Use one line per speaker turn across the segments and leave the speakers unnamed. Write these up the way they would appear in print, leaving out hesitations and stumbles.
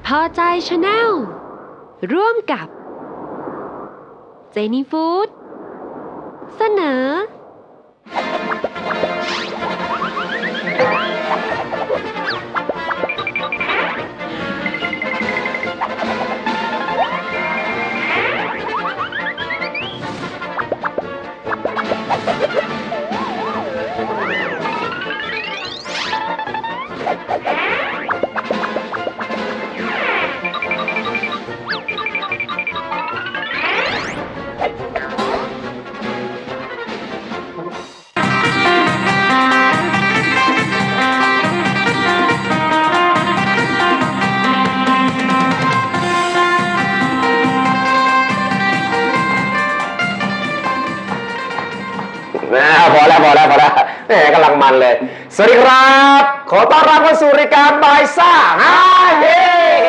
พอใจชาแนลร่วมกับเจนี่ฟู้ดเสนอ
พอแล้วแหมกำลังมันเลยสวัสดีครับขอต้อนรับเข้าสู่รายการบายซ่าฮาเฮ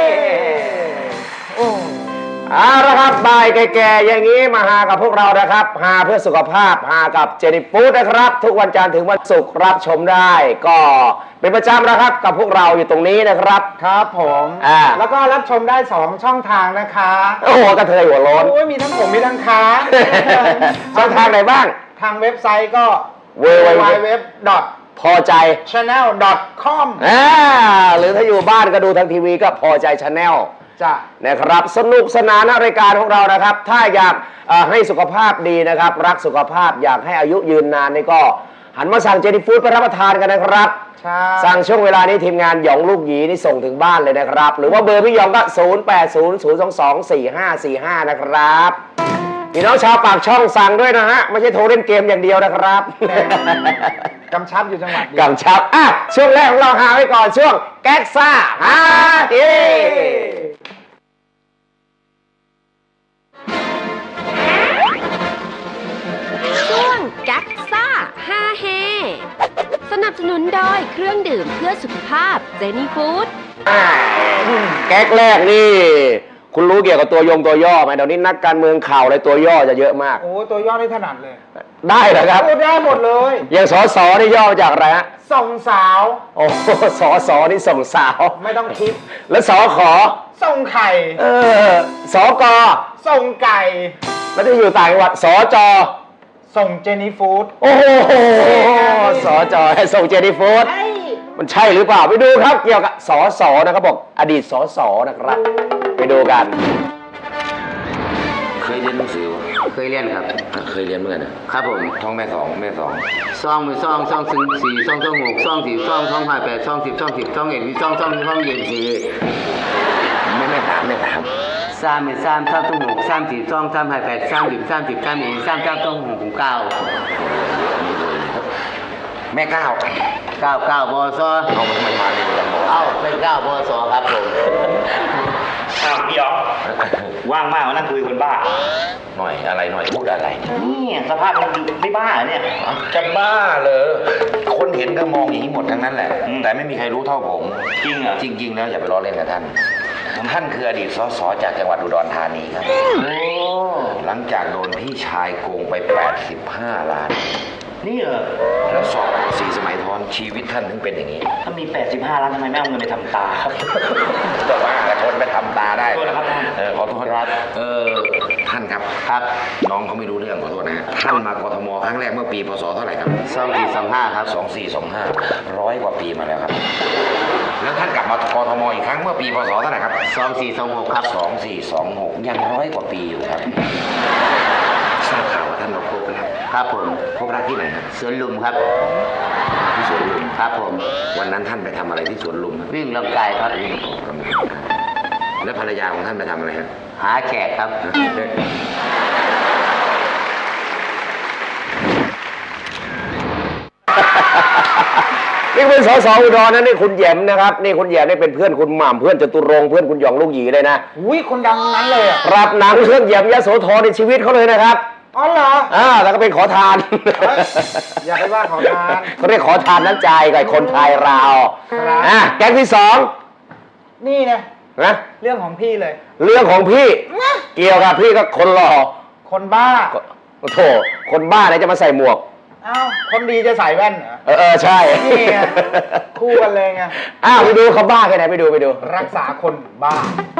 เอาละครับบ่ายแก่ๆอย่างนี้มาหากับพวกเรานะครับหาเพื่อสุขภาพหากับเจนี่ฟู้ดนะครับทุกวันจันทร์ถึงวันศุกร์รับชมได้ก็เป็นประจำนะครับกับพวกเราอยู่ตรงนี้นะครับ
ครับผมแล้วก็รับชมได้2ช่องทางนะคะ
โอ้โหกระเทยหัวโล้น
โอ้ยมีทั้งผมมีทั้งค้า
ช่องทางไหนบ้าง
ทางเว็บไซต์ก็
www. พอใจ
channel.com
หรือถ้าอยู่บ้านก็ดูทางทีวีก็พอใจ Channel
จ้ะ
นะครับสนุกสนานในรายการของเรานะครับถ้าอยากให้สุขภาพดีนะครับรักสุขภาพอยากให้อายุยืนนานนี่ก็หันมาสั่งเจนี่ฟู้ดไปรับประทานกันนะครับสั่งช่วงเวลานี้ทีมงานหยองลูกหยีนี่ส่งถึงบ้านเลยนะครับหรือว่าเบอร์พี่หยองก็0800224545นะครับพี่น้องชาวปากช่องสั่งด้วยนะฮะไม่ใช่โทรเล่นเกมอย่างเดียวนะครับ
กำชับอยู่จังหวัด
กำชับช่วงแรกของเราหาไว้ก่อนช่วงแก๊กซ่าฮาเฮ
ช่วงแก๊กซ่าฮาเฮสนับสนุนโดยเครื่องดื่มเพื่อสุขภาพเจนี่ฟู้ด
แก๊กแรกนี่คุณรู้เกี่ยวกับตัวย่อไหมเดี๋ยวนี้นักการเมืองข่าวอะไรตัวย่อจะเยอะมาก
โอ้ตัวย่อนี่ถนัดเลย
ได้เหรอครับ
พูดได้หมดเลย
อย่างสสนี่ย่อมาจากอะไรฮะ
ส่งสาว
โอ้สนี่ส่งสาว
ไม่ต้องคิด
แล้วสข
ส่งไข่
สก
ส่งไก่
แล้วจะอยู่ต่างจังหวัดสจ
ส่งเจนี่ฟู้ด
โอ้โหสจให้ส่งเจนี่ฟู้ดมันใช่หรือเปล่าไปดูครับเกี่ยวกับสสนะครับบอกอดีตสสนะครับไปดูกัน
เคยเรียนหนังสือ
เคยเรียนครับ
เคยเรียนเหมือนกัน
ครับผม
ท่องแม่สอง
ซองมือซองถึง4ซอง6ซอง4ซอง2 5 8ซอง10ซอง10ซอง1 2ซองเย็น4
ไม่ถาม
3มือ3ซอง6 3 4ซอง3 5 8 3 10 3 10 3 1 3 9ซอง6 9
แม่9
บส
เอามันมาเลยกันบอก
เป็น9บสครับผม
พี่อ๋อว่างมากมานั่งคุยคนบ้า
หน่อยพูดอะไร
นี่สภาพมันไม่บ้าเนี่ย
จะบ้าเลยคนเห็นก็มองอย่างนี้หมดทั้งนั้นแหละแต่ไม่มีใครรู้เท่าผม
จริงเหรอ
จริงแล้วอย่าไปล้อเล่นกับท่านคืออดีตสสจากจังหวัดอุดรธานีครับหลังจากโดนพี่ชายโกงไป85 ล้าน
นี่เหรอ
แล้วสอบ4 สมัยทอนชีวิตท่านถึงเป็นอย่างนี้
ถ้ามี85 ล้านทำไมไม่เอาเงินไปทำตาครับ
ก็ว่าทนไปทำตาได้
ขอโทษนะครับ
ขอโทษครับท่านครับน้องเขาไม่รู้เรื่องขอโทษนะฮะท่านมากทมครั้งแรกเมื่อปีพศเท่าไหร่ครับ
2425ครับ
2425 100 กว่าปีมาแล้วครับแล้วท่านกลับมากทมอีกครั้งเมื่อปีพศเท่าไหร่ครับ
2426ครับ
2426ยัง100 กว่าปีอยู่ครับทราบข่าวว่าท่านมาพบรัก
ครับผม
พบรักที่ไหนครับ
สวนลุมครับ
ที่สวนลุม
ครับผม
วันนั้นท่านไปทำอะไรที่สวนลุม
วิ่งร่างกายครับ
แล้วภรรยาของท่านไปทำอะไรครับ
หาแขกครับ
นี่เป็นสสอุดรนะนี่คุณแยมนะครับนี่คุณแยมนี่เป็นเพื่อนคุณหม่ำเพื่อนจตุรงค์เพื่อนคุณหยองลูกหยีเลยนะ
อุ้ยคนดังนั้นเลยอ่ะ
รับหนังเรื่องแยมยโสธรในชีวิตเขาเลยนะครับ
อ๋อเหรอ
แล้วก็เป็นขอทาน
อย่าไปว่าขอทาน
เขาเรียกขอทานน้ำใจกับคนไทยเราแก๊งที่2
นี่นะเรื่องของพี่เลย
เรื่องของพี่เกี่ยวกับพี่ก็คนหล่อ
คนบ้า
โธ่คนบ้าไหนจะมาใส่หมวก
อ้าวคนดีจะใส่แว่นเหรอ
ใช่
นี่ไงคู่กันเลยไง
ไปดูเขาบ้าแค่ไหนไปดู
รักษาคนบ้า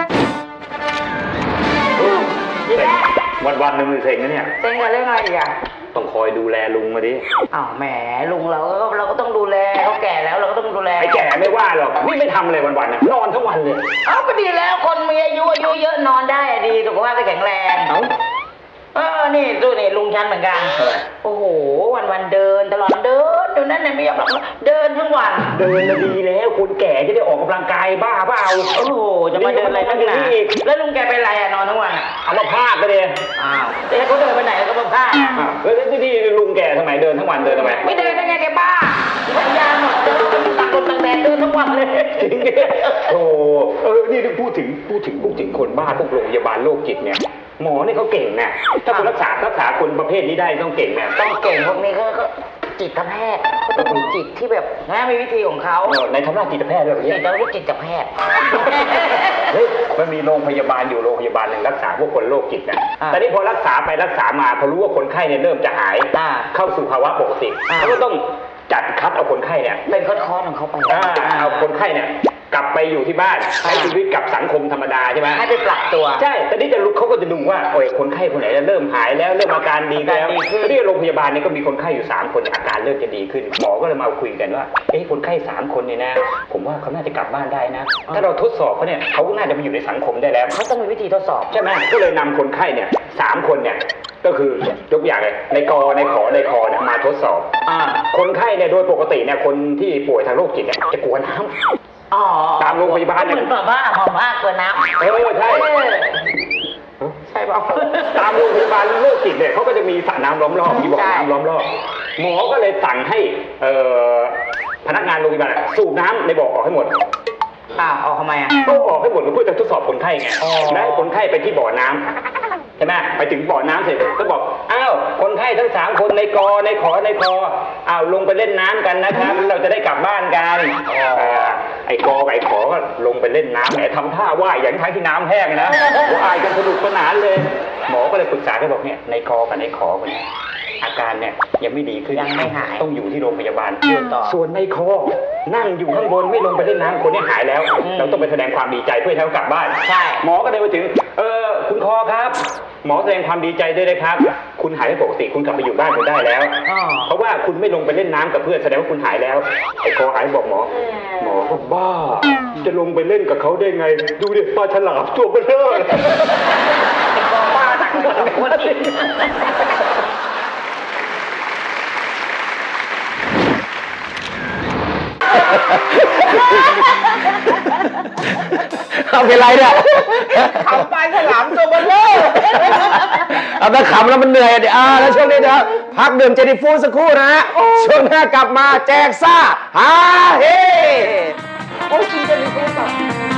วันๆหนึ่งมือเซ็งนะเนี่ย
เซ็งกันเรื่องอะไรอีกอ่ะ
ต้องคอยดูแลลุงมาดิ
อ้าวแหมลุงเราก็ต้องดูแลเขาแก่แล้วเราก็ต้องดูแล
ไอ้แก่ไม่ว่าหรอกนี่ไม่ทำอะไรวันๆนะนอนทั้งวันเลย
เอ้าก็ดีแล้วคนมีอายุเยอะนอนได้อะดีสุขภาพจะแข็งแรง
เอ้า
นี่ดูนี่ลุงฉันเหมือนกันโอ้โหวันเดินตลอดเดินดูนั่นเนี่ยไม่ยอมหลับเดินทั้งวัน
เดินน่ะดีแล้วคนแก่จะได้ออกกำลังกายบ้าเปล่า
โอ้โหจะมาเดินอะไรนักหนาแล้วลุงแกเป็นไรอะนอนทั้งวันอะ
เอามาพาดไปเลย
อ้าวแต่เขาเดินไปไหนแล้วก็มาพลาด
แล้วที่ลุงแก่ทำไมเดินทั้งวันเดินทำไม
ไม่เดินได้ไงแกบ้าสัญญาหมดเดินตักลมตักแดดเดินทั้งวันเลย
โอ้นี่พูดถึงคนบ้าพวกโรงพยาบาลโรคจิตเนี่ยหมอเนี่ยเขาเก่งนะถ้าคนรักษาคนประเภทนี้ได้ต้องเก่งนะ
ต้องเก่งพวกนี้ก็จิตแพทย์เขาต้องมีจิตที่แบบนะมีวิธีของเขา
ในทำหน้าจิตแพทย์ด้วยเหรอ
จิ
เนี่ย
ตเราเรียกจิตแพทย์
เฮ้ยมันมีโรงพยาบาลอยู่โรงพยาบาลหนึ่งรักษาพวกคนโรคจิตนะแต่นี่พอรักษาไปรักษามาพอรู้ว่าคนไข้เนี่ยเริ่มจะหายเข้าสู่ภาวะปกติเขาก็ต้องจัดคัดเอาคนไข้เนี่ย
เป็นคอร์สของเขาไป
เอาคนไข้เนี่ยกลับไปอยู่ที่บ้านใช้ชีวิตกับสังคมธรรมดาใช่ไหม
ให้ไปปรับตัว
ใช่แต่นี่จะลุกเขาก็จะดูว่าคนไข้คนไหนเริ่มหายแล้วเริ่มอาการดีแล้วที่โรงพยาบาลเนี่ยก็มีคนไข้อยู่3คนอาการเริ่มจะดีขึ้นหมอก็เลยมาคุยกันว่าคนไข้3คนเนี่ยนะผมว่าเขาน่าจะกลับบ้านได้นะถ้าเราทดสอบเขาเนี่ยเขาก็น่าจะมาอยู่ในสังคมได้แล้ว
เขาต้องมีวิธีทดสอบ
ใช่ไหมก็เลยนำคนไข้เนี่ย3คนเนี่ยก็คือยกอย่างเลยในกอในขอในคอเนี่ยมาทดสอบคนไข้เนี่ยโดยปกติเนี่ยคนที่ป่วยทางโรคจิตเนี่ยจะกลัวน้ำตามโรงพยาบาล
เหมือนแบบว่าหอมมากกว่าน้ำ
ใช่
ใช่ป่ะ
ตามโรงพยาบาลโรคจิตเนี่ยเขาก็จะมีสระน้ำล้อมรอบมีบ่อน้ำล้อมรอบหมอก็เลยสั่งให้พนักงานโรงพยาบาลสูบน้ำในบ่อออกให้หมด
ออกทำไม
ก็ออกให้หมดเพื่อจะทดสอบคนไข้ไงและให้คนไข้ไปที่บ่อน้ำใช่ไหมไปถึงบ่อน้ำเสร็จก็บอกอ้าวคนไข้ทั้ง3คนในกอในขอในคออ้าวลงไปเล่นน้ำกันนะครับเราจะได้กลับบ้านกันไอ้กอกับไอ้ขอก็ลงไปเล่นน้ำแหมทำท่าว่ายอย่างทั้งที่น้ำแห้งนะว่ายกันสนุกสนานเลยหมอก็เลยปรึกษากันบอกเนี่ยในกอกับในขอคนนี้อาการเนี่ยยังไม่ดีขึ้น
ยังไม่หาย
ต้องอยู่ที่โรงพยาบาล
ต่อ
ส่วนในคอนั่งอยู่ข้างบนไม่ลงไปเล่นน้ำคนนี้หายแล้วเราต้องไปแสดงความดีใจเพื่อให้เขากลับบ้าน
ใช่
หมอก็เลยมาถึงคุณคอครับหมอแสดงความดีใจด้วยนะครับคุณหายเป็นปกติคุณกลับไปอยู่บ้านคุณได้แล้วเพราะว่าคุณไม่ลงไปเล่นน้ำกับเพื่อนแสดงว่าคุณหายแล้วไอ้คอหายบอกหมอก็บ้าจะลงไปเล่นกับเขาได้ไงดูดิปลาฉลามตัวเบลอ
ไอ้คอบ้าหนักคนนี้
เอาเป็นไรเนี่ย
ขำปลาฉลามตัวเบลอ
เอาแต่ขำแล้วมันเหนื่อยเดี๋ยวแล้วช่วงนี้นะครับพักดื่มเจนี่ฟูดสักครู่นะฮะช่วงหน้ากลับมาแจกซ่าฮาเฮโอ้ยกินเจนี่ฟูดก่อน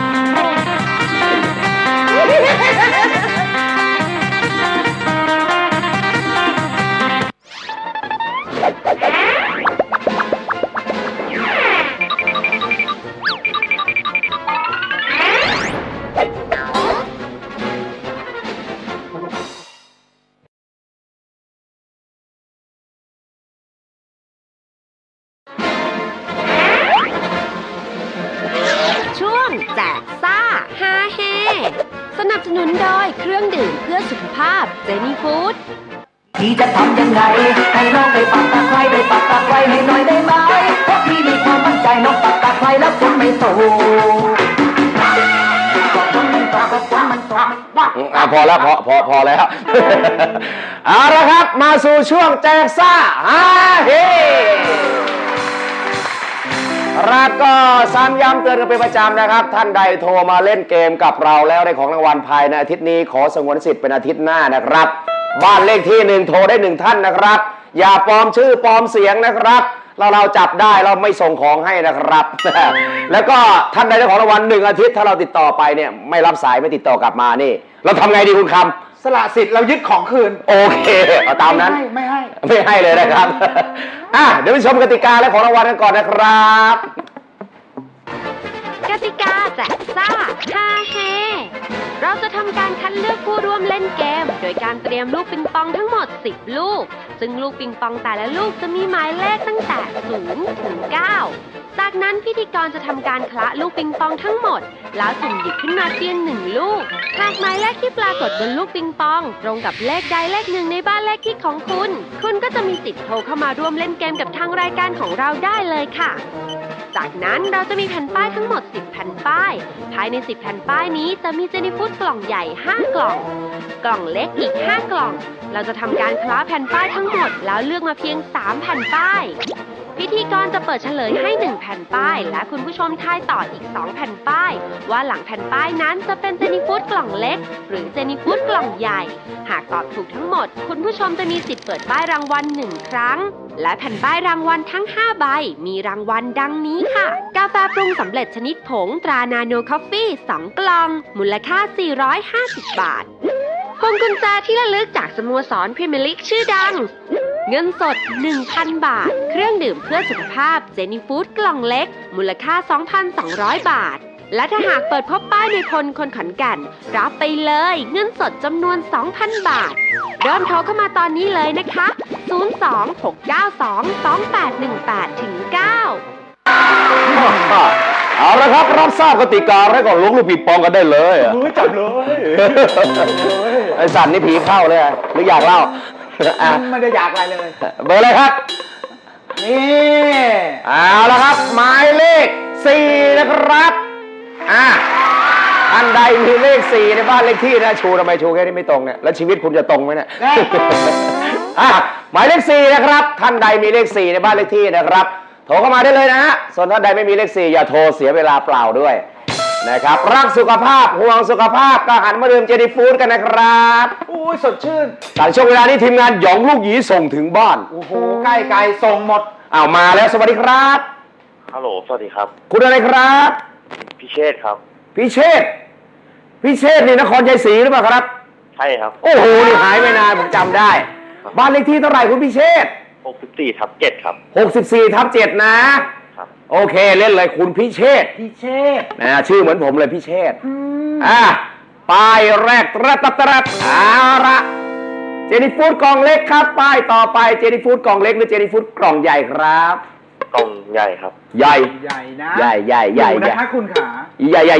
ช่วงแจกซ่าฮาเฮสนับสนุนโดยเครื่องดื่มเพื่อสุขภาพเจนี่ฟู้ด
พี่จะทำยังไงให้น้องได้ปักตะไคร้ได้ปักตะไคร้ให้หน่อยได้ไหมเพราะพี่มีความมั่นใจน้องปักตะไคร้แล้วฝนไม่ตกก็ฝนมันตกก็ฝนมันตก
พอแล้วพอแล้วเอาละครับมาสู่ช่วงแจกซ่าฮาเฮครับก็ซ้ำย้ำเตือนกันเป็นประจำนะครับท่านใดโทรมาเล่นเกมกับเราแล้วได้ของรางวัลภายในอาทิตย์นี้ขอสงวนสิทธิ์เป็นอาทิตย์หน้านะครับบ้านเลขที่1โทรได้1ท่านนะครับอย่าปลอมชื่อปลอมเสียงนะครับเราจับได้เราไม่ส่งของให้นะครับ แล้วก็ท่านใดได้ของรางวัล1อาทิตย์ถ้าเราติดต่อไปเนี่ยไม่รับสายไม่ติดต่อกลับมานี่เราทำไงดีคุณคำ
สละสิทธิ์เรายึดของคืน
โอเคเอาตามนั้น
ไม่ให้
เลยนะครับเดี๋ยวไปชมกติกาและของรางวัลกันก่อนนะครับ
กติกาแจกซ่าฮาเฮเราจะทำการคัดเลือกผู้ร่วมเล่นเกม โดยการเตรียมลูกปิงปองทั้งหมด 10 ลูก ซึ่งลูกปิงปองแต่ละลูกจะมีหมายเลขตั้งแต่ 0 ถึง 9 จากนั้นพิธีกรจะทำการคละลูกปิงปองทั้งหมด แล้วสุ่มหยิบขึ้นมาเพียง1 ลูก หากหมายเลขที่ปรากฏบนลูกปิงปอง ตรงกับเลขใดเลขหนึ่งในบ้านเลขที่ของคุณ คุณก็จะมีสิทธิ์โทรเข้ามาร่วมเล่นเกมกับทางรายการของเราได้เลยค่ะ จากนั้นเราจะมีแผ่นป้ายทั้งหมด 10 แผ่นป้าย ภายใน 10 แผ่นป้ายนี้จะมีเจนี่ฟู้ดกล่องใหญ่ 5 กล่อง กล่องเล็กอีก 5 กล่อง เราจะทำการคล้าแผ่นป้ายทั้งหมดแล้วเลือกมาเพียง 3 แผ่นป้าย พิธีกรจะเปิดเฉลยให้ 1 แผ่นป้าย และคุณผู้ชมทายต่ออีก 2 แผ่นป้าย ว่าหลังแผ่นป้ายนั้นจะเป็นเจนี่ฟู้ดกล่องเล็ก หรือเจนี่ฟู้ดกล่องใหญ่ หากตอบถูกทั้งหมด คุณผู้ชมจะมีสิทธิ์เปิดป้ายรางวัล 1 ครั้ง และแผ่นป้ายรางวัลทั้ง 5 ใบ มีรางวัลดังนี้ค่ะ กาแฟปรุงสำเร็จชนิดผงตรานาโนคอฟฟี่ 2 กล่อง มูลค่า 450 บาท พวงกุญแจที่ระลึกจากสโมสรพรีเมียร์ลีกชื่อดัง เงินสด 1,000 บาท เครื่องดื่มเพื่อสุขภาพเจนี่ฟู้ดกล่องเล็ก มูลค่า 2,200 บาท และถ้าหากเปิดพบป้ายในพลคนขอนแก่นรับไปเลยเงินสดจำนวน 2,000 บาท เริ่มโทรเข้ามาตอนนี้เลยนะคะ 026922818 ถึง 9
เอาละครับรับทราบกติกาแล้วก็ล้วงลูกปิงปองกันได้เลยอะ
จับเลย
ไอสันนี่ผีเข้าเลยอะหรืออยากเล่าอ่ะ
ไม่ได้อยากอะไรเลย
เบอร์อะไรครับ
นี่
เอาละครับหมายเลข 4 นะครับอันใดมีเลข 4 ในบ้านเลขที่นะชูทำไมชูแค่นี้ไม่ตรงเนี่ยแล้วชีวิตคุณจะตรงไหมเนี่ย หมายเลข 4 นะครับท่านใดมีเลข 4 ในบ้านเลขที่นะครับโทรเข้ามาได้เลยนะฮะส่วนท่านใดไม่มีเลข 4 อย่าโทรเสียเวลาเปล่าด้วยนะครับรักสุขภาพห่วงสุขภาพก็หันมาดื่มเจนี่ฟู้ดกันนะครับ
อุ้ยสดชื่น
แต่ช่วงเวลานี้ทีมงานหยองลูกหยีส่งถึงบ้าน
โอ้โหใกล้ไกลส่งหมด
เอามาแล้วสวัสดีครับ
ฮัลโหล สวัสดีครับ
คุณอะไรครับ
พิเชษครับ
พิเชษนี่นครชัยศรีหรือเปล่าครับ
ใช่ครับ
โอ้โหนี่หายไปนานผมจำได้บ้านเลขที่เท่าไหร่คุณพิเชษ
64/7ครับ
64/7นะครับ โอเคเล่นเลยคุณพิเชษนะชื่อเหมือนผมเลยพิเชษป้ายแรกตรัดเอาละเจนี่ฟู้ดกล่องเล็กครับป้ายต่อไปเจนี่ฟู้ดกล่องเล็กหรือเจนี่ฟู้ดกล่องใหญ่ครับ
กล่องใหญ่ครับ
ใหญ่
นะ
ใหญ่
นะคะคุณขา
ใหญ่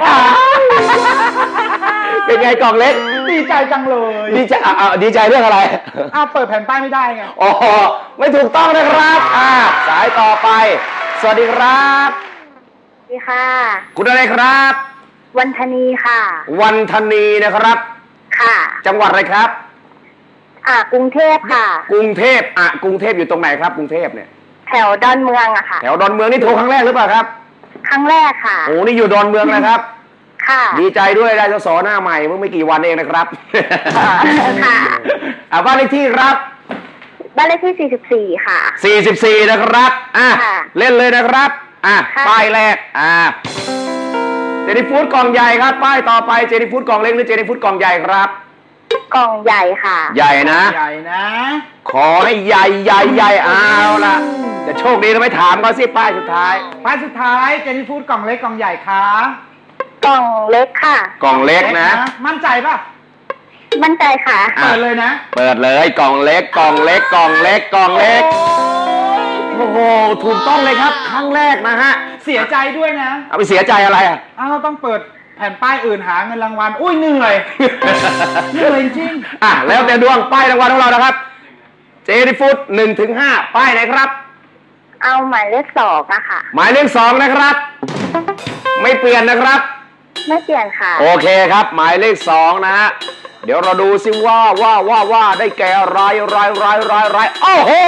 เป็นไงกล่องเล็ก
ดีใจจังเลย
ดีใจดีใจเรื่องอะไร
เปิดแผ่นป้ายไม่ได้ไง
อ๋อไม่ถูกต้องนะครับสายต่อไปสวัสดีครับ
สวัสดีค่ะ
คุณอะไรครับ
วันธนีค่ะ
วันธนีนะครับ
ค่ะ
จังหวัดอะไรครับ
กรุงเทพค่ะ
กรุงเทพกรุงเทพอยู่ตรงไหนครับกรุงเทพเนี่ย
แถวดอนเมืองอะค่ะ
แถวดอนเมืองนี่โทรครั้งแรกหรือเปล่าครับ
ครั้งแรกค่ะ
โอ้นี่อยู่ดอนเมืองนะครับ
ค่ะ
ดีใจด้วยได้สสหน้าใหม่เมื่อไม่กี่วันเองนะครับ
ค่ะ
บ้านเลขที่ครับ
บ้านเลขที่ 44 ค่ะ
44นะครับ
ค่ะ
เล่นเลยนะครับ
ค่ะ
ป้ายแรกเจนี่ฟู้ดกล่องใหญ่ครับ ป้ายต่อไปเจนี่ฟู้ดกล่องเล็กหรือเจนี่ฟู้ดกล่องใหญ่ครับ
กล่องใหญ่ค่ะ
ใหญ่นะ
ใหญ่นะ
ขอให้ใหญ่เอาละจะโชคดีแล้วไม่ถามเขาสิป้ายสุดท้าย
ป้ายสุดท้ายเจนี่ฟู้ดกล่องเล็กกล่องใหญ่ค่ะ
กล่องเล็กค่ะ
กล่องเล็กนะ
มั่นใจป่ะ
มั่นใจค่ะ
เปิดเลยนะ
เปิดเลยกล่องเล็กโอ้โหถูกต้องเลยครับครั้งแรกนะฮะ
เสียใจด้วยนะ
เอาไปเสียใจอะไร
ต้องเปิดแผ่นป้ายอื่นหาเงินรางวัล อุ้ยเหนื่อย เหนื่อยจริง
แล้วแต่ดวงป้ายรางวัลของเรานะครับเจนี่ฟู้ด1-5ป้ายไหนครับ
เอาหมายเลข2อะค่ะ
หมายเลข2นะครับ ไม่เปลี่ยนนะครับ
ไม่เปลี่ยนค่ะ
โอเคครับ หมายเลข2นะฮะเดี๋ยวเราดูซิว่าได้แก่รายโอ้โห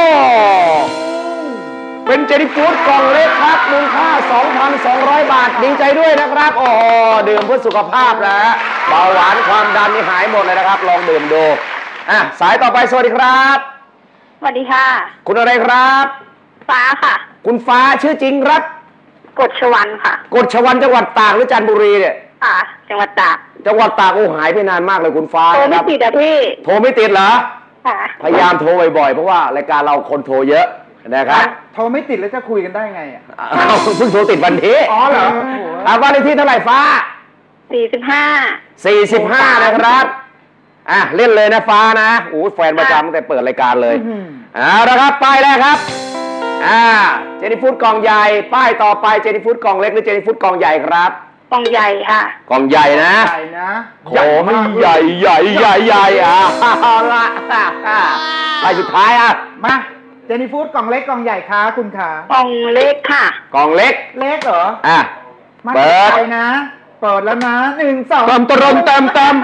เป็นเจนี่ฟู้ดกล่องเล็กครับมูลค่า 2,200 บาทดีใจด้วยนะครับโอ้โหดื่มเพื่อสุขภาพนะฮะเบาหวานความดันนี่หายหมดเลยนะครับลองดื่มดูสายต่อไปสวัสดีครับ
สวัสดีค่ะ
คุณอะไรครับ
ฟ้าค่ะ
คุณฟ้าชื่อจริงครับ
กฎชวันค่ะ
กฎชวันจังหวัดตากหรือจันทบุรีเนี่ย
ค่ะ จังหวัดตาก
จังหวัดตากโอ้หายไปนานมากเลยคุณฟ้า
โทรไม่
ครับ
ติดอะพี่
โทรไม่ติดเหรอ
ค่ะ
พยายามโทรบ่อยๆเพราะว่ารายการเราคนโทรเยอะนะครับ
โทรไม่ติดแล้วจะคุยกันได้ไง
เพิ่งโทรติดวันนี้
อ๋อเหรอ
บ้านเลขที่เท่าไหร่ฟ้า
45
นะครับอ่ะเล่นเลยนะฟ้านะโอ้แฟนประจำตั้งแต่เปิดรายการเลยเอาละครับป้ายแรกครับเจนี่ฟูดกล่องใหญ่ป้ายต่อไปเจนี่ฟูดกล่องเล็กหรือเจนี่ฟูดกล่องใหญ่ครับ
กล่องใหญ่ค่ะ
กล่องใหญ่นะ
ใหญ่นะ
โอ้ไม่ใหญ่เอาละป้ายสุดท้ายอ่ะ
มาเจนี่ฟูดกล่องเล็กกล่องใหญ่คะคุณขาก
ล่องเล็กค่ะ
กล่องเล็ก
เล็กเหรอ
เปิ
เปิ
ด
ดนะ เปิดแล้วนะ1 2
เติม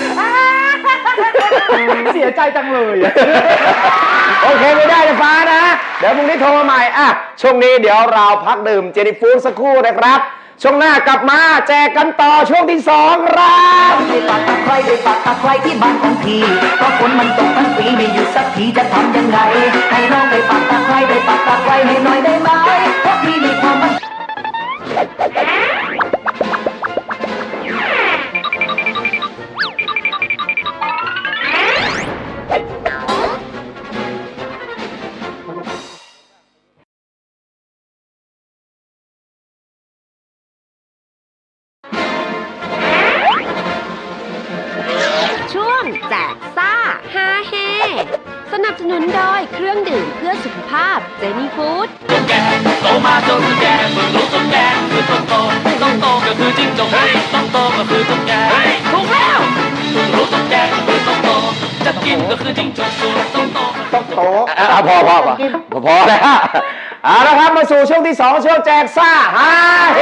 เสียใจจังเลย
โอเคไม่ได้นะฟ้านะเดี๋ยวพรุ่งนี้โทรมาใหม่ช่วงนี้เดี๋ยวเราพักดื่มเจนี่ฟูดสักครู่นะครับช่วงหน้ากลับมาแจกกันต่อช่วงที่2ครับ
ได้ปักตะไคร้ได้ปักตะไคร้ที่บ้านของพี่เพราะฝนมันตกทั้งปีไม่หยุดสักทีจะทำยังไงให้น้องได้ปักตะไคร้ได้ปักตะไคร้ให้หน่อยได้ไหมเพราะพี่มีความมั่น
ช่วงแจกซ่าฮาเฮสนับสนุนโดยเครื่องดื่มเพื่อสุขภาพเจนี่ฟู้ด
โตมาจนแก่เพิ่งรู้ตุ๊กแกคือต้องโตก็คือจิ้งจกต้องโตก็คือตุ๊กแกถูกแล้วเพิ่งรู้ตุ๊กแกก็คือต้องโตจะกินก็คือจิ้งจกส่วนต้องโต
พอแล้วเอาละครับมาสู่ช่วงที่2ช่วงแจกซ่าฮาเฮ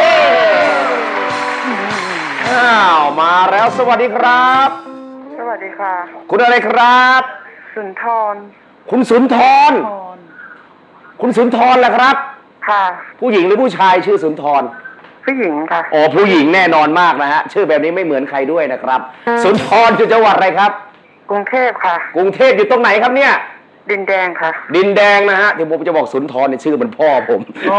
มาแล้วสวัสดีครับ
สวัสดีค่ะ
คุณอะไรครับ
สุนทร
คุณสุนทรคุณสุนทรแหละครับ
ค่ะ
ผู้หญิงหรือผู้ชายชื่อสุนทร
ผู้หญิงค่ะ
อ๋อผู้หญิงแน่นอนมากนะฮะชื่อแบบนี้ไม่เหมือนใครด้วยนะครับสุนทรอยู่จังหวัดอะไรครับ
กรุงเทพค่ะ
กรุงเทพอยู่ตรงไหนครับเนี่ย
ดินแดงค่ะ
ดินแดงนะฮะที่ผมจะบอกสุนทรในชื่อมันพ่อผม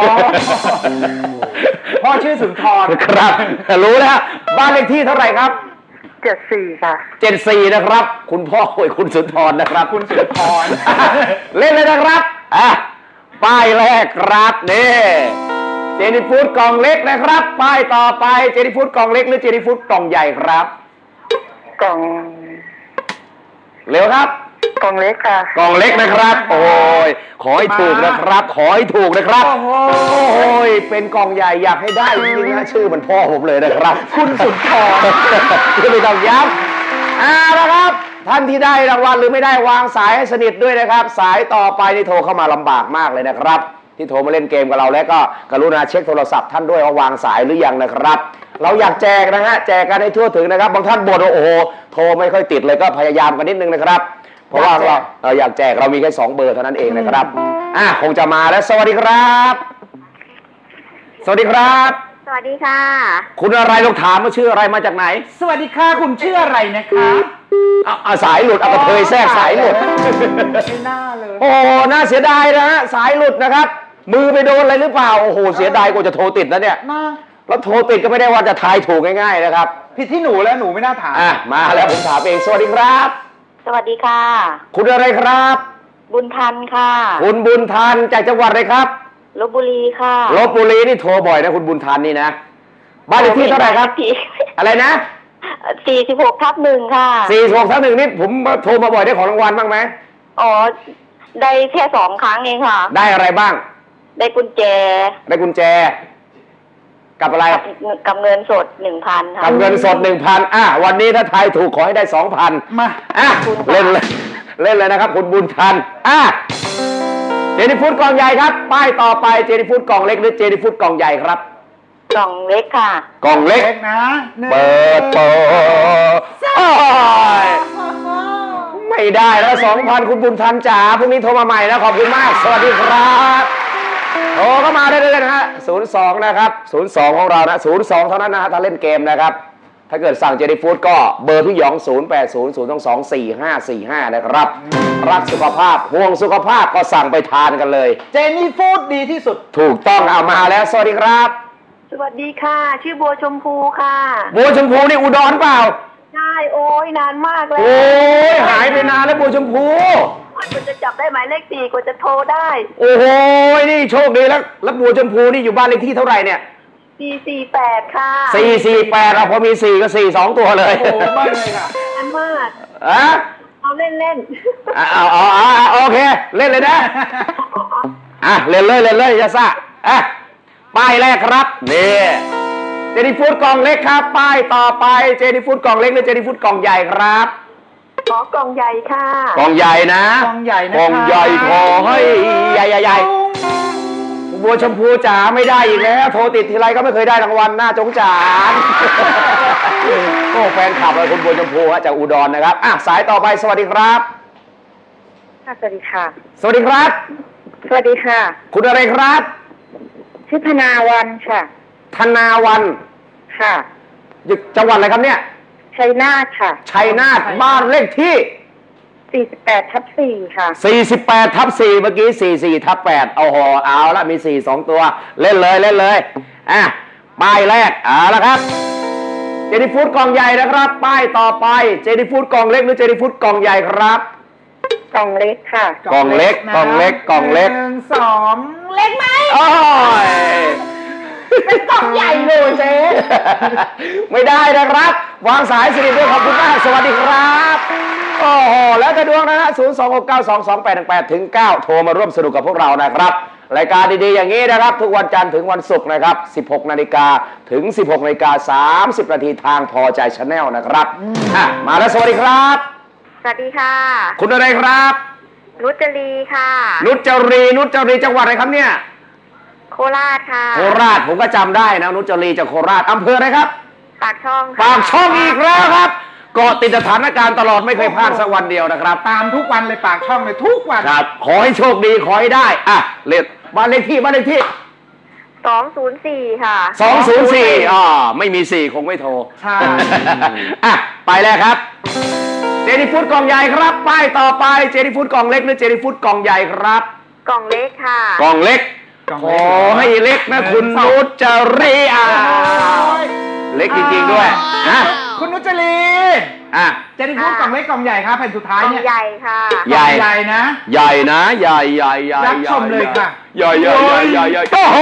พ่อชื่อสุนทร
ครับรู้แล้วบ้านเลขที่เท่าไหร่ครับ
74 ค่ะ
74นะครับคุณพ่อคุณสุนทรนะครับ
คุณสุนทร
เล่นเลยนะครับป้ายแรกครับนี่เจนี่ฟูดกล่องเล็กนะครับป้ายต่อไปเจนี่ฟูดกล่องเล็กหรือเจนี่ฟูดกล่องใหญ่ครับ
กล่อง
เร็วครับ
กล่องเล็กค่ะ
กล่องเล็กนะครับ โอ้ยขอให้ถูกนะครับ ขอให้ถูกนะครับโอ้ยเป็นกล่องใหญ่อยากให้ได้จริงๆนะชื่อมันพ่อผมเลยนะครับ คุณสุนทรคือไม่ต้องย้ำละครับท่านที่ได้รางวัลหรือไม่ได้วางสายให้สนิทด้วยนะครับ สายต่อไปนี่โทรเข้ามาลำบากมากเลยนะครับ ที่โทรมาเล่นเกมกับเราแล้วก็กรุณาเช็คโทรศัพท์ท่านด้วยว่าวางสายหรือยังนะครับ เราอยากแจกนะฮะแจกกันให้ทั่วถึงนะครับบางท่านบ่นว่าโอ้โหโทรไม่ค่อยติดเลยก็พยายามกันนิดนึงนะครับเพราะว่าเราอยากแจกเรามีแค่2เบอร์เท่านั้นเองนะครับคงจะมาแล้วสวัสดีครับสวัสดีครับ
สวัสดีค่ะ
คุณอะไรลองถามว่าชื่ออะไรมาจากไหน
สวัสดีค่ะคุณชื่ออะไรนะคะ
สายหลุดเอากระเทยแทรกสายหลุด
ไม่น่าเลย
โอ้น่าเสียดายนะฮะสายหลุดนะครับมือไปโดนอะไรหรือเปล่าโอ้โหเสียดายกว่าจะโทรติดนะเนี่ยแล้วโทรติดก็ไม่ได้ว่าจะทายถูกง่ายๆนะครับ
ผิดที่หนูแล้วหนูไม่น่าถาม
มาแล้วผมถามเองสวัสดีครับ
สวัสดีค่ะ
คุณอะไรครับ
บุญทันค่ะ
คุณบุญทันจากจังหวัดอะไรครับ
ลพบุรีค่ะ
ลพบุรีนี่โทรบ่อยนะคุณบุญทันนี่นะบ้านเลขที่เท่าไหร่ครับอะไรนะ
46/1 ค่ะ
46/1นี่ผมโทรมาบ่อยได้ของรางวัลบ้างไหม
อ๋อ ได้แค่2 ครั้งเองค่ะ
ได้อะไรบ้าง
ได้กุญแจ
ได้กุญแจกับอะไร
กับเงินสด 1,000 ค่ะ
กับเงินสด 1,000วันนี้ถ้าทายถูกขอให้ได้ 2,000มาเล่นเลยนะครับคุณบุญทันเจนี่ฟูดกล่องใหญ่ครับป้ายต่อไปเจนี่ฟูดกล่องเล็กหรือเจนี่ฟูดกล่องใหญ่ครับ
กล่องเล็กค่ะ
กล่องเล็ก
นะ
เปิดไม่ได้แล้ว 2,000 คุณบุญทันจ๋าพรุ่งนี้โทรมาใหม่นะขอบคุณมากสวัสดีครับโทรเข้ามาได้เลยนะฮะ02นะครับ02ของเรานะ02เท่านั้นนะฮะถ้าเล่นเกมนะครับถ้าเกิดสั่งเจนี่ฟูดก็เบอร์พี่หยอง0800224545นะครับรักสุขภาพห่วงสุขภาพก็สั่งไปทานกันเลย
เจนี่ฟูดดีที่สุด
ถูกต้องเอามาแล้วสวัสดีครับ
สวัสดีค่ะ ชื่อบัวชมพูค่ะ
บัวชมพูนี่อุดรเปล่า
ใช่โอ้ยนานมากเลย
โอ้ยหายไปนานแล้วบัวชมพู
กว่าจะจับได้หมายเลข4กว่าจะโทรได้
โอ้โหนี่โชคดีแล้วบัวชมพูนี่อยู่บ้านเลขที่เท่าไหร่เนี่ย
448 ค่ะ
448เราพอมี4ก็4 2ตัวเลย
โอ้โหบ้านเลยค่ะ
นานมาก
อ่ะ
เอาเล่น
โอเค เล่นเลยนะเล่นเลยยาซ่าป้ายแรกครับนี่เจนี่ฟู้ดกล่องเล็กครับป้ายต่อไปเจนี่ฟู้ดกล่องเล็กหรือเจนี่ฟู้ดกล่องใหญ่ครับ
ๆขอกล่องใหญ่ค่ะ
กล่องใหญ่นะ
กล่องใหญ่นะคะ
กล่องใหญ่ขอให้ใหญ่บัวชมพูจ๋าไม่ได้อีกแล้วโทรติดทีไรก็ไม่เคยได้รางวัลน่าจงจานโอ้แฟนคลับเลยคุณบัวชมพูจากอุดรนะครับสายต่อไปสวัสดีครับ
ค่ะ สวัสดีค่ะ
สวัสดีครับ
สวัสดีค่ะ
คุณอะไรครับ
ชื่อธนาวันค่ะ
ธนาวัน
ค่ะ
อยู่จังหวัดอะไรครับเนี่ย
ชัยนาทค่ะ
ชัยนาทบ้านเลขที่
48/4 ค่ะ
48/4 เมื่อกี้44/8เอาละมี4 2ตัวเล่นเลยป้ายแรกละครับเจนี่ฟู้ดกล่องใหญ่นะครับป้ายต่อไปเจนี่ฟู้ดกล่องเล็กหรือเจนี่ฟู้ดกล่องใหญ่ครับ
กล่องเล็กค่ะ
กล่องเล็ก
1 2 เล็กไหม
โอ้ย
เป็นกล่องใหญ่เลยเจ๊
ไม่ได้นะครับวางสายสนิทด้วยขอบคุณมากสวัสดีครับโอ้โหแล้วแต่ดวงนะฮะ026922818-9โทรมาร่วมสนุกกับพวกเรานะครับรายการดีๆอย่างนี้นะครับทุกวันจันทร์ถึงวันศุกร์นะครับ 16 นาฬิกาถึง 16 นาฬิกา 30 นาทีทางพอใจชาแนลนะครับมาแล้วสวัสดีครับ
สวัสดีค่ะ
คุณอะไรครับ
นุจรีค่ะ
นุจรีจังหวัดอะไรครับเนี่ย
โคราชค่ะ
โคราชผมก็จำได้นะนุจรีจากโคราชอำเภออะไรครับ
ปากช่องค่ะ
ปากช่องอีกแล้วครับเกาะติดสถานการณ์ตลอดไม่เคยพลาดสักวันเดียวนะครับ
ตามทุกวันเลยปากช่องเลยทุกวัน
ครับขอให้โชคดีขอให้ได้เลขบ้านเลขที่
204 ค่ะ
204ไม่มี4คงไม่โทร
ใช่
ไปแล้วครับเจนี่ฟู้ดกล่องใหญ่ครับป้ายต่อไปเจนี่ฟู้ดกล่องเล็กหรือเจนี่ฟู้ดกล่องใหญ่ครับ
กล่องเล็กค่ะ
กล่องเล็กขอให้เล็กนะคุณนุชจรีเล็กจริงๆด้วย
คุณนุชจรี เจนี่ฟู้ดกล่องเล็กกล่องใหญ่ครับแผ่นสุดท้าย
กล่อง
เนี่ย
ใหญ่ค่ะ
ใหญ่
ใหญ่นะ
ใหญ่นะใหญ่
รับชมเลยค่ะ
ใหญ่โอ้โห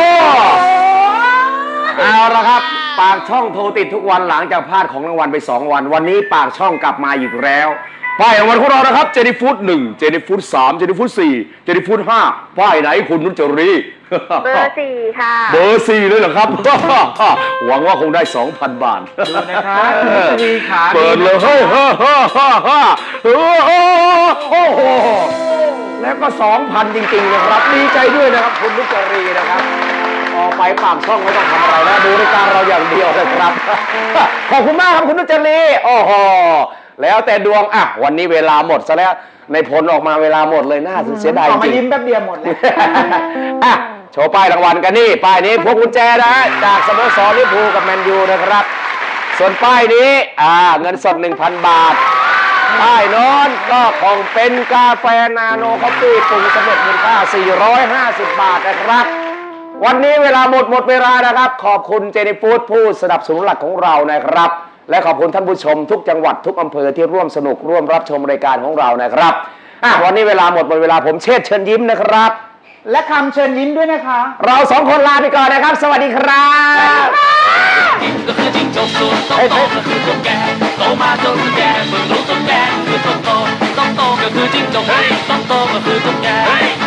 เอาละครับปากช่องโทรติดทุกวันหลังจากพลาดของรางวัลไป2 วันวันนี้ปากช่องกลับมาอีกแล้วป้ายรางวัลของเรานะครับเจนี่ฟู้ด1เจนี่ฟู้ด3เจนี่ฟู้ด4เจนี่ฟู้ด5ป้ายไหนคุณนุชจรี
เบอร์ 4 ค่ะ
เบอร์ 4เลยเหรอครับ หวังว่าคงได้ 2,000 บาท
ดูนะครับนุชจรีขา
เปิดเลยโอ้โหแล้วก็ 2,000 จริงๆนะครับดีใจด้วยนะครับคุณนุชจรีนะครับออกไปปากช่องไม่ต้องทำอะไรแล้วดูรายการเราอย่างเดียวเลยครับ ขอบคุณมากครับคุณนุชจรีโอ้โหแล้วแต่ดวงวันนี้เวลาหมดซะแล้วในผลออกมาเวลาหมดเลยน่าเสียดายจริง
มายิ้มแป๊บเดียวหมดเลย
โชว์ป้ายรางวัลกันนี่ป้ายนี้พวกกุญแจนะฮะจากสโมสรลิเวอร์พูลกับแมนยูนะครับส่วนป้ายนี้เงินสด 1,000 บาทป้ายโน้นก็ของเป็นกาแฟนาโนคอฟฟี่ปรุงสำเร็จมูลค่า450 บาทนะครับวันนี้เวลาหมดเวลานะครับขอบคุณเจนี่ฟู้ดผู้สนับสนุนหลักของเรานะครับและขอบคุณท่านผู้ชมทุกจังหวัดทุกอำเภอที่ร่วมสนุกร่วมรับชมรายการของเรานะครับวันนี้เวลาหมดเวลาผมเชิญยิ้มนะครับ
และคำเชิญยิ้มด้วยนะคะ
เรา2 คนลาไปก่อนนะครับสวัสดีครับ
กินก็คือจิ้งจกส่วนโตก็คือตุ๊กแกโตมาจนแก่เพิ่งรู้ตุ๊กแกคือต้องโตก็คือจิ้งจกต้องโตก็คือตุ๊กแก